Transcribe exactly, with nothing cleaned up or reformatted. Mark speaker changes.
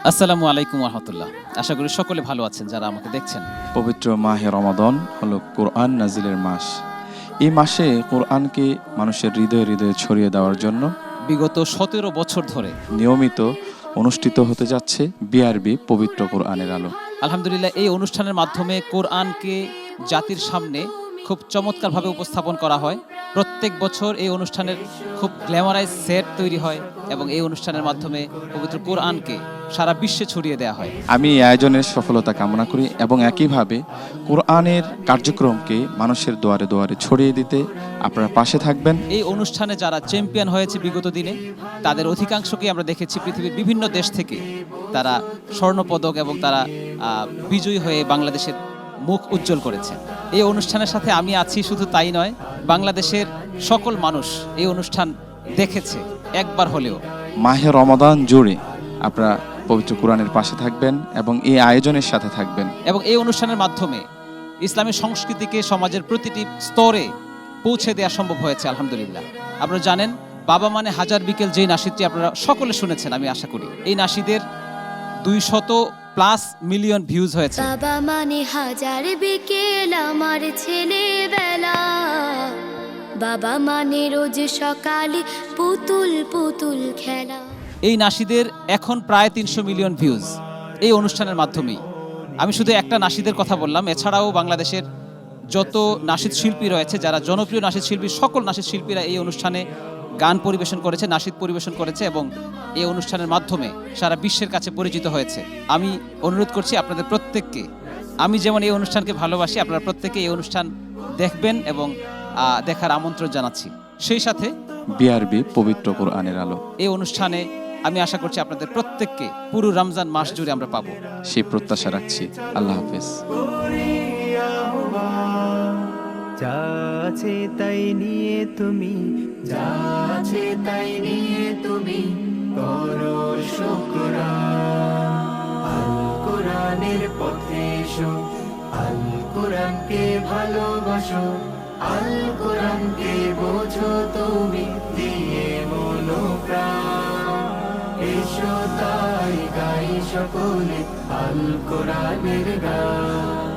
Speaker 1: আসসালামু আলাইকুম ওয়া রাহমাতুল্লাহ। আশা করি সকলে ভালো আছেন যারা আমাকে দেখছেন।
Speaker 2: পবিত্র মাহে রমাদান হলো কোরআন নাজিলের মাস। এই মাসে কোরআনকে মানুষের হৃদয়ে হৃদয়ে ছড়িয়ে দেওয়ার জন্য
Speaker 1: বিগত সতেরো বছর ধরে
Speaker 2: নিয়মিত অনুষ্ঠিত হতে যাচ্ছে বিআরবি পবিত্র কোরআনের আলো।
Speaker 1: আলহামদুলিল্লাহ এই অনুষ্ঠানের মাধ্যমে কোরআনকে জাতির সামনে খুব চমৎকারভাবে উপস্থাপন করা হয়। প্রত্যেক বছর এই অনুষ্ঠানের খুব গ্ল্যামারাইজ সেট তৈরি হয় এবং এই অনুষ্ঠানের মাধ্যমে পবিত্র কোরআনকে সারা বিশ্বে ছড়িয়ে দেওয়া হয়।
Speaker 2: আমি এই আয়োজনের সফলতা কামনা করি এবং একইভাবে কোরআনের কার্যক্রমকে মানুষের দুয়ারে দুয়ারে ছড়িয়ে দিতে আপনারা পাশে থাকবেন।
Speaker 1: এই অনুষ্ঠানে যারা চ্যাম্পিয়ন হয়েছে বিগত দিনে তাদের অধিকাংশকেই আমরা দেখেছি পৃথিবীর বিভিন্ন দেশ থেকে তারা স্বর্ণপদক এবং তারা আহ, বিজয়ী হয়ে বাংলাদেশের মুখ উজ্জ্বল করেছে। এই অনুষ্ঠানের সাথে আমি আছি, শুধু তাই নয়, বাংলাদেশের সকল মানুষ এই অনুষ্ঠান দেখেছে একবার হলেও।
Speaker 2: মাহে রমাদান জুড়ে আপনারা পবিত্র কোরআনের পাশে থাকবেন এবং এই আয়োজনের সাথে থাকবেন।
Speaker 1: এবং এই অনুষ্ঠানের মাধ্যমে ইসলামী সংস্কৃতিকে সমাজের প্রতিটি স্তরে পৌঁছে দেওয়া সম্ভব হয়েছে আলহামদুলিল্লাহ। আপনারা জানেন, বাবা মানে হাজার বিকেল যেই নাসিদটি আপনারা সকলে শুনেছেন আমি আশা করি, এই নাসিদের দুই শত প্লাস মিলিয়ন ভিউজ হয়েছে।
Speaker 3: বাবা মানে হাজার বিকেল আমার ছেলেবেলা, বাবা মানে রোজ সকালে পুতুল পুতুল খেলা।
Speaker 1: এই নাসিদের এখন প্রায় তিনশো মিলিয়ন ভিউজ এই অনুষ্ঠানের মাধ্যমেই। আমি শুধু একটা নাসিদের কথা বললাম, এছাড়াও বাংলাদেশের যত নাসিদ শিল্পী রয়েছে, যারা জনপ্রিয় নাসিদ শিল্পী, সকল নাসিদ শিল্পীরা এই অনুষ্ঠানে গান পরিবেশন করেছে, নাসিদ পরিবেশন করেছে এবং এই অনুষ্ঠানের মাধ্যমে সারা বিশ্বের কাছে পরিচিত হয়েছে। আমি অনুরোধ করছি আপনাদের প্রত্যেককে, আমি যেমন এই অনুষ্ঠানকে ভালোবাসি, আপনারা প্রত্যেকে এই অনুষ্ঠান দেখবেন এবং আহ, দেখার আমন্ত্রণ জানাচ্ছি। সেই সাথে
Speaker 2: বিআরবি পবিত্র কোরআনের আলো,
Speaker 1: এই অনুষ্ঠানে আমি আশা করছি আপনাদের প্রত্যেককে পুরো রমজান মাস জুড়ে আমরা পাবো,
Speaker 2: সেই প্রত্যাশা রাখছি। আল্লাহ হাফেজ।
Speaker 4: যা আছে তাই নিয়ে তুমি, যা আছে তাই নিয়ে তুমি করো শুকরান। আল কোরআনের পথে এসো, আল কোরআনকে ভালোবাসো, আল কোরআনকে বোঝো তুমি দিয়ে মনোপ্রাণ। এসো তাই গাই সকলে আল কোরআনের গান।